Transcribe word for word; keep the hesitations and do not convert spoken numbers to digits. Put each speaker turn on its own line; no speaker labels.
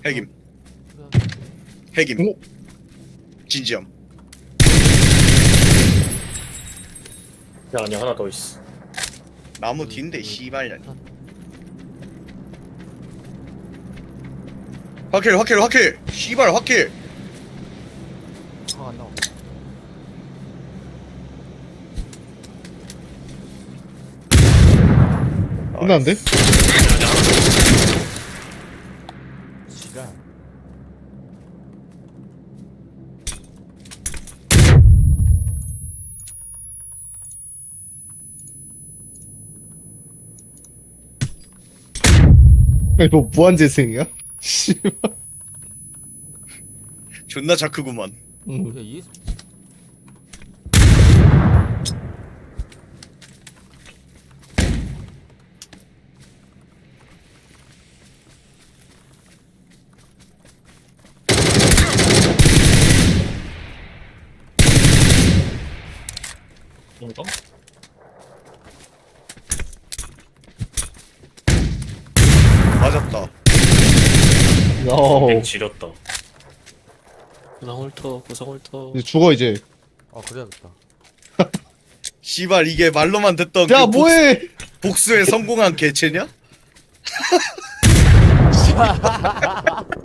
핵임.
그래.
핵임.
오?
진지함.
야 아니 하나 더 있어.
나무 뒤인데 씨발. 확킬 확킬 확킬. 씨발 확킬.
아, 안 나와.
끝났는데?
지랄.
아니 뭐 무한재생이야? 씨발.
존나 자크구만.
응.
야, 이
이거?
맞았다.
어.
뱅 지렸다.
구성홀터 구성홀터
이제 죽어 이제.
아, 그래야겠다.
씨발 이게 말로만 듣던
야
그
뭐해?
복수, 복수에 성공한 개체냐?